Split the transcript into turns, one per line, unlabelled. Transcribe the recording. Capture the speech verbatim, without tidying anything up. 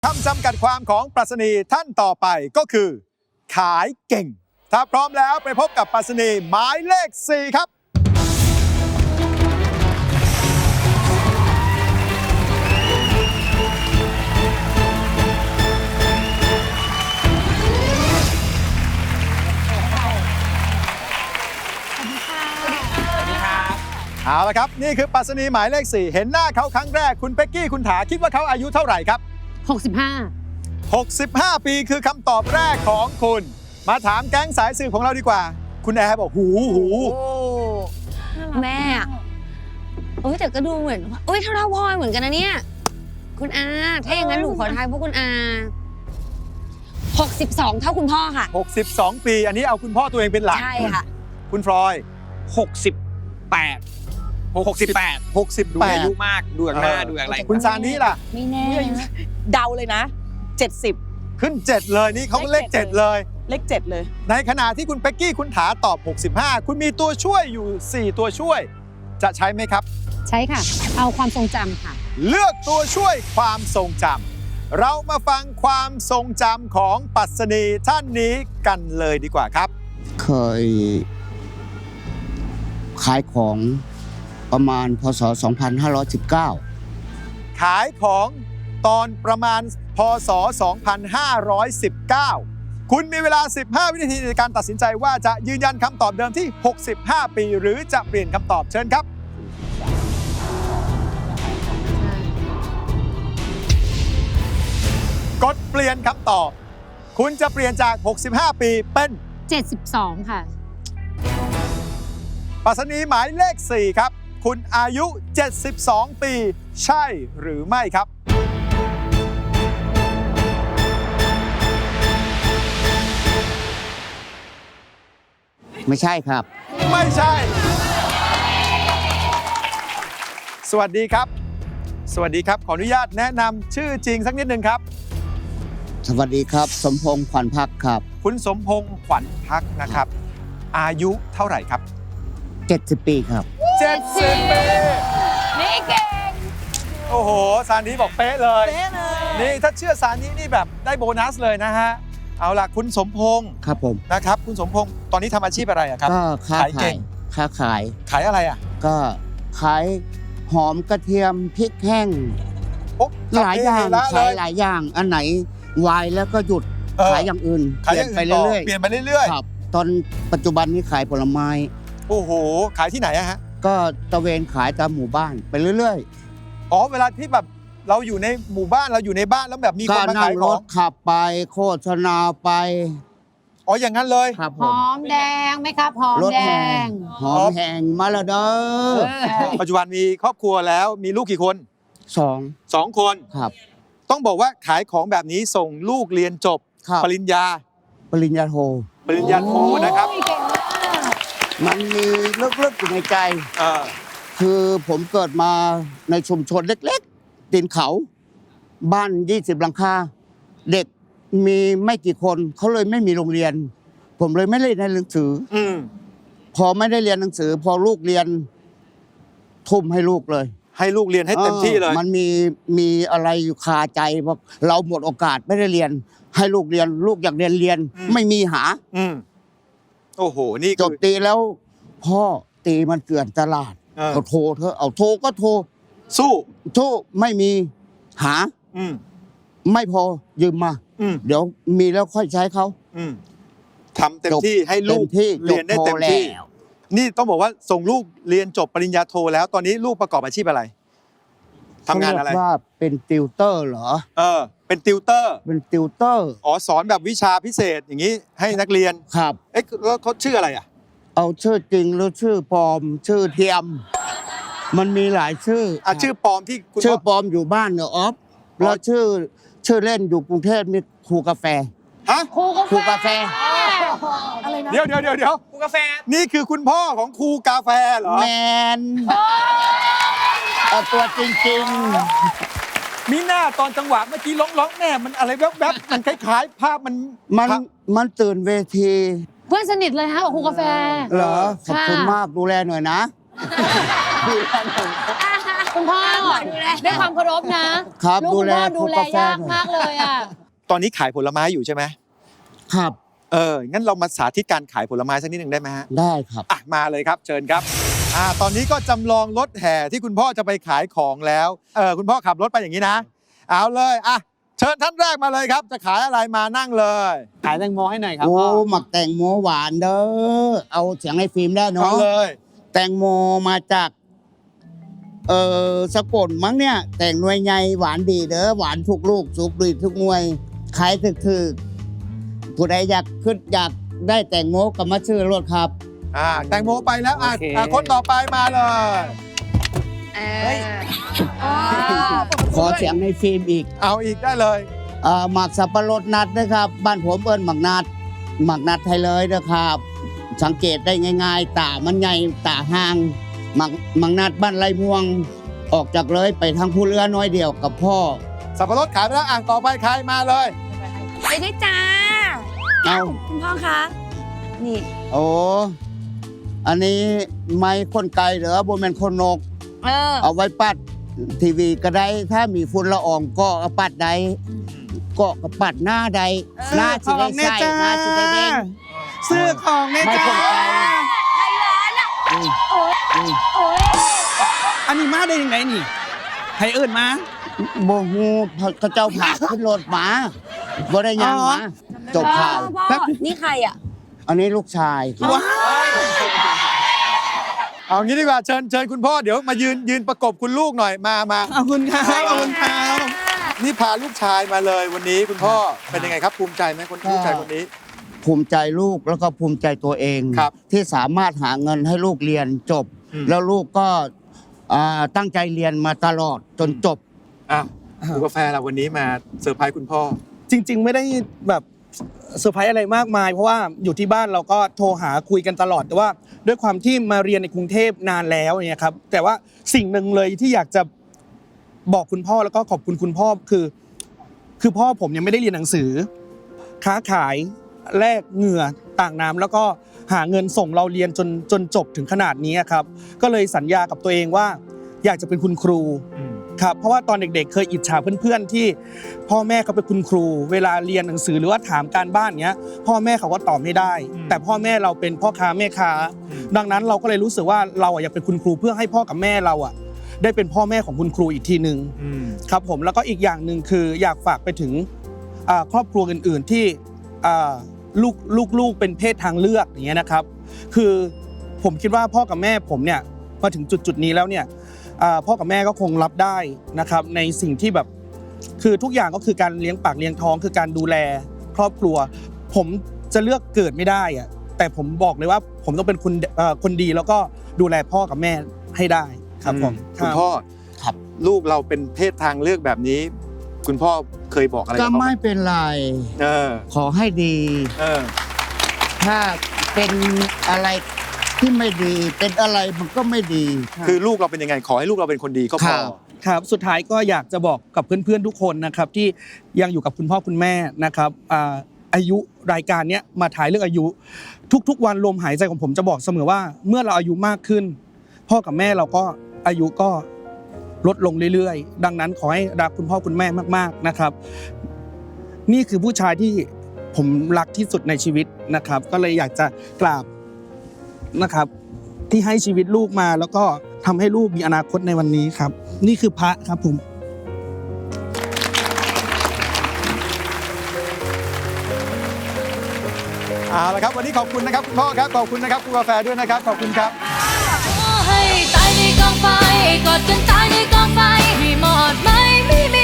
คำจำกัดความของปรัชนีท่านต่อไปก็คือ ขายเก่ง ถ้าพร้อมแล้วไปพบกับปรัชนีหมายเลขสี่ครับเอาละครับนี่คือปรัชนีหมายเลขสี่เห็นหน้าเขาครั้งแรกคุณเป๊กกี้คุณถาคิดว่าเขาอายุเท่าไหร่ครับ
หกสิบห้า
หกสิบห้า ปีคือคำตอบแรกของคุณมาถามแก๊งสายสืบของเราดีกว่าคุณแอร์บอกหูหู
แม่โอ้ยแต่ก็ดูเหมือนโอ้ยเท่าเท่าพ่อเหมือนกันนะเนี่ยคุณอาถ้าอย่างนั้นหนูขอทายพวกคุณอาหกสิบสองเท่าคุณพ่อค่ะ
หกสิบสองปีอันนี้เอาคุณพ่อตัวเองเป็นหลัก
ใช่ค่ะ
คุณฟลอย
หกสิบแปดหกสิบแปด
หกสิบแปด
ดูอายุมากดูอย่างหน้าดูอย่างไร
คุณซานี่ล่ะ
ไม่แน่
เดาเลยนะเจ็ดสิบ
ขึ้นเจ็ดเลยนี่เขาเลขเจ็ดเลย
เลขเจ็ดเลย
ในขณะที่คุณเป๊กกี้คุณถาตอบหกสิบห้าคุณมีตัวช่วยอยู่สี่ตัวช่วยจะใช้ไหมครับ
ใช้ค่ะเอาความทรงจำค่ะ
เลือกตัวช่วยความทรงจำเรามาฟังความทรงจำของปรัชนีท่านนี้กันเลยดีกว่าครับ
เคยขายของประมาณพ.ศ. สองพันห้าร้อยสิบเก้า
ขายของตอนประมาณพ.ศ. สองพันห้าร้อยสิบเก้าคุณมีเวลาสิบห้าวินาทีในการตัดสินใจว่าจะยืนยันคำตอบเดิมที่หกสิบห้าปีหรือจะเปลี่ยนคำตอบเชิญครับกดเปลี่ยนคำตอบคุณจะเปลี่ยนจากหกสิบห้าปีเป็น
เจ็ดสิบสองค่ะ
ปรัชนีหมายเลขสี่ครับคุณอายุเจ็ดสิบสองปีใช่หรือไม่ครับ
ไม่ใช่ครับ
ไม่ใช่สวัสดีครับสวัสดีครับขออนุญาตแนะนำชื่อจริงสักนิดนึงครับ
สวัสดีครับสมพงษ์ขวัญพักครับ
คุณสมพงษ์ขวัญพักนะครับอายุเท่าไหร่ครับ
เจ็ดสิบปีครับ
เจ็ดสิบปี
นี่เก่ง
โอ้โหซานีบอกเป๊ะเลยเป๊ะเลยนี่ถ้าเชื่อซานีนี่แบบได้โบนัสเลยนะฮะเอาล่ะคุณสมพงษ์
ครับผม
นะครับคุณสมพงษ์ตอนนี้ทำอาชีพอะไรอะครับ
ก็ค้าขายค้าขาย
ขายอะไรอะ
ก็ขายหอมกระเทียมพริกแห้งหลายอย่างขายหลายอย่างอันไหนวายแล้วก็หยุดขายอย่างอื่นเปลี่ยนไปเรื่อย
ๆเปลี่ยนไปเรื่อย
ๆครับตอนปัจจุบันนี้ขายผลไม้
โอ้โหขายที่ไหนอะฮะ
ก็ตะเวนขายตามหมู่บ้านไปเรื่อย
ๆอ๋อเวลาที่แบบเราอยู่ในหมู่บ้านเราอยู่ในบ้านแล้วแบบมีคนมาขายของ
รถขับไปโฆษณาไป
อ๋ออย่างนั้นเลย
ครับ
หอมแดงไหมครับหอมแดง
หอมแห้งมาแล้วเด้อ
ปัจจุบันมีครอบครัวแล้วมีลูกกี่คน
สอง
สองคน
ครับ
ต้องบอกว่าขายของแบบนี้ส่งลูกเรียนจบปริญญา
ปริญญาโท
ปริญญาโทนะครับ
มันมีลึกๆอยู่ในใจคือผมเกิดมาในชุมชนเล็กๆตีนเขาบ้านยี่สิบหลังคาเด็กมีไม่กี่คนเขาเลยไม่มีโรงเรียนผมเลยไม่ได้เรียนหนังสือพอไม่ได้เรียนหนังสือพอลูกเรียนทุ่มให้ลูกเลย
ให้ลูกเรียนให้เต็มที่เลย
มันมีมีอะไรอยู่คาใจว่าเราหมดโอกาสไม่ได้เรียนให้ลูกเรียนลูกอยากเรียนเรียนไม่มีหา
โอ้โหนี่
จบตีแล้วพ่อตีมันเกลื่อนตลาดเอาโทรเธอเอาโทรก็โทร
สู้
สู้ไม่มีหาไม่พอยืมมาเดี๋ยวมีแล้วค่อยใช้เขา
ทำเต็มที่ให้ลูกเรียนได้เต็มที่นี่ต้องบอกว่าส่งลูกเรียนจบปริญญาโทแล้วตอนนี้ลูกประกอบอาชีพอะไรทำงานอะไร
ว่าเป็นติวเตอร์เหรอ
เออเป็นติวเตอร์
เป็นติวเตอร์
อ๋อสอนแบบวิชาพิเศษอย่างนี้ให้นักเรียน
ครับ
เอ๊ะแล้วเขาชื่ออะไรอ่ะ
เอาชื่อจริงหรือชื่อปลอมชื่อเทียมมันมีหลายชื่อ
อ่ะชื่อปลอมที่
ชื่อปลอมอยู่บ้านเนอะออฟแล้วชื่อชื่อเล่นอยู่กรุงเทพนี่ครูกาแฟ
ฮะ
ครู
ครูกาแฟ
อะไรนะ
เดี๋ยวเดี๋ยวเดี๋ยวเดี๋ยว
ครูกาแฟ
นี่คือคุณพ่อของครูกาแฟเหรอ
แมนเอาตัวจริงๆ
มีหน้าตอนจังหวะเมื่อกี้ร้องร้องแม่มันอะไรแวบๆมันคล้ายๆภาพมัน
มันมันตื่นเวที
เพื่อนสนิทเลยฮะกับครูกาแฟ
เหรอขอบคุณมากดูแลหน่อยนะดูแลหน่อย
คุณพ่อด้วยความเคารพนะครับ ลูก
ดู
คุณ
แล
พ่อดูแล
พวกกาแฟ
ยากมากเลยอ่ะ
ตอนนี้ขายผลไม้อยู่ใช่ไหม
ครับ
เออ งั้นเรามาสาธิตการขายผลไม้สักนิดหนึ่งได้ไหมฮะ
ได้ครับ
อ่ะ มาเลยครับ เชิญครับ อ่า ตอนนี้ก็จำลองรถแห่ที่คุณพ่อจะไปขายของแล้ว เออ คุณพ่อขับรถไปอย่างนี้นะ เอาเลย อ่ะ เชิญท่านแรกมาเลยครับ จะขายอะไรมานั่งเลย
ขายแตงโมให้หน่อยครับ
โอ้
พ่อ
หมักแตงโมหวานเด้อ เอาเสียงให้ฟิล์มได้
เอา
เนาะ
เลย
แตงโมมาจาก เอ่อสกลมั้งเนี่ย แต่งหน่วยใหญ่หวานดีเด้อ หวานทุกลูก สุกดีทุกหน่วย ขายถึกๆผู้ใดอยากขึ้นอยากได้แตงโมก็มาซื้อรถครับ
อ่า แตงโมไปแล้ว อ่ะ
โอเค
อ่ะคนต่อไปมาเลย
เอออ๋อ
ขอเสียงในฟิล์มอีก
เอาอีกได้เลย
เอ่อหมักสับปะรดนัดนะครับ บ้านผมเอิ้นหมักนัด หมักนัดไทยเลยนะครับ สังเกตได้ง่ายๆ ตามันใหญ่ตาห่าง หมักหมักนัดบ้านไรม่วง ออกจากเลยไปทางผู้เรือน้อยเดียวกับพ่อ
สับปะรดขายไปแล้ว อ่างต่อไปใครมาเลย
ไปด้วยจ้า
เอา
คุณพ่อคะ นี่
โอ้อันนี้ไม้คนไกลเหรอบนเป็นคนนก
เออ
เอาไว้ปัดทีวีก็ได้ ถ้ามีฝุ่นละอองก็เอาปัดได้ก็ก็ปัดหน้าใดหน้าสิได้ใส่หน้าสิได้เด้ง
ซื้อของแน่
ไม่
จ้า
คนไกลอืมอืม
อันนี้มาได้ยังไงนี่ใครเอิ้นมา
โมฮูเขาเจ้าผ่าขึ้นรถมาบ่ได้ยัง
อ๋อ
มาจบข่าว
พ่อพ่อนี่ใครอ่ะ
อันนี้ลูกชาย
ว้า
เอางี้ดีกว่า เชิญเชิญคุณพ่อ เดี๋ยวมายืนยืนประกบคุณลูกหน่อย มามา
ขอบคุณครับขอบคุณครับ
นี่พาลูกชายมาเลยวันนี้คุณพ่อ เป็นยังไงครับ ภูมิใจไหมคนลูกชายคนนี้
ภูมิใจลูกแล้วก็ภูมิใจตัวเอง
ครับ
ที่สามารถหาเงินให้ลูกเรียนจบ
อืม
แล้วลูกก็อ่าตั้งใจเรียนมาตลอดจนจบ
อ้าวดูกาแฟเราวันนี้มาเซอร์ไพรส์คุณพ่อ
จริง ๆ ไม่ได้แบบเซอร์ไพรส์อะไรมากมาย เพราะว่าอยู่ที่บ้านเราก็โทรหาคุยกันตลอดแต่ว่าด้วยความที่มาเรียนในกรุงเทพนานแล้วเนี่ยครับแต่ว่าสิ่งหนึ่งเลยที่อยากจะบอกคุณพ่อแล้วก็ขอบคุณคุณพ่อคือ คือพ่อผมยังไม่ได้เรียนหนังสือ ค้าขายแลกเหงื่อต่างน้ำแล้วก็หาเงินส่งเราเรียนจนจนจบถึงขนาดนี้ครับก็เลยสัญญากับตัวเองว่า อยากจะเป็นคุณครู ครับเพราะว่าตอนเด็กๆเคยอิจฉาเพื่อนๆที่พ่อแม่เขาเป็นคุณครู เวลาเรียนหนังสือหรือว่าถามการบ้านเงี้ยพ่อแม่เขาก็ตอบไม่ได้
อืม
แต่พ่อแม่เราเป็นพ่อค้าแม่ค้า
อืม
ดังนั้นเราก็เลยรู้สึกว่าเราอะอยากเป็นคุณครูเพื่อให้พ่อกับแม่เราอะได้เป็นพ่อแม่ของคุณครูอีกทีหนึ่ง
อืม
ครับผมแล้วก็อีกอย่างหนึ่งคืออยากฝากไปถึงอ่าครอบครัวอื่นๆที่อ่าลูกลูกลูกเป็นเพศทางเลือกอย่างเงี้ยนะครับ คือผมคิดว่าพ่อกับแม่ผมเนี่ยมาถึงจุดจุดๆนี้แล้วเนี่ยอ่าพ่อกับแม่ก็คงรับได้นะครับในสิ่งที่แบบคือทุกอย่างก็คือการเลี้ยงปากเลี้ยงท้องคือการดูแลครอบครัว ผมจะเลือกเกิดไม่ได้อะแต่ผมบอกเลยว่าผมต้องเป็นคนเอ่อคนดีแล้วก็ดูแลพ่อกับแม่ให้ได้ครับผม
คุณพ่อ
ครับ
ลูกเราเป็นเพศทางเลือกแบบนี้ คุณพ่อเคยบอกอะไร
ก็
กับเขาไหม
ไม่เป็นไร
เออ
ขอให้ดี
เออ
ถ้าเป็นอะไรที่ไม่ดี เป็นอะไรมันก็ไม่ดี
คือลูกเราเป็นยังไง ขอให้ลูกเราเป็นคนดีก็พ
ครั
อ
บ
ครับสุดท้ายก็อยากจะบอกกับเพื่อนๆทุกคนนะครับที่ยังอยู่กับคุณพ่อคุณแม่นะครับอ่าอายุรายการเนี้ยมาถ่ายเรื่องอายุ ทุกๆวันลมหายใจของผมจะบอกเสมอว่าเมื่อเราอายุมากขึ้น พ่อกับแม่เราก็อายุก็ลดลงเรื่อยๆ ดังนั้นขอให้รักคุณพ่อคุณแม่มากๆนะครับ นี่คือผู้ชายที่ผมรักที่สุดในชีวิตนะครับ ก็เลยอยากจะกราบนะครับ ที่ให้ชีวิตลูกมาแล้วก็ทำให้ลูกมีอนาคตในวันนี้ครับ นี่คือพระครับผม
เอาละครับวันนี้ขอบคุณนะครับคุณพ่อครับขอบคุณนะครับคุณกาแฟด้วยนะครับขอบคุณครับ
ให้ตายในกองไฟกอดกันตายในกองไฟให้หมดไหมไม่มี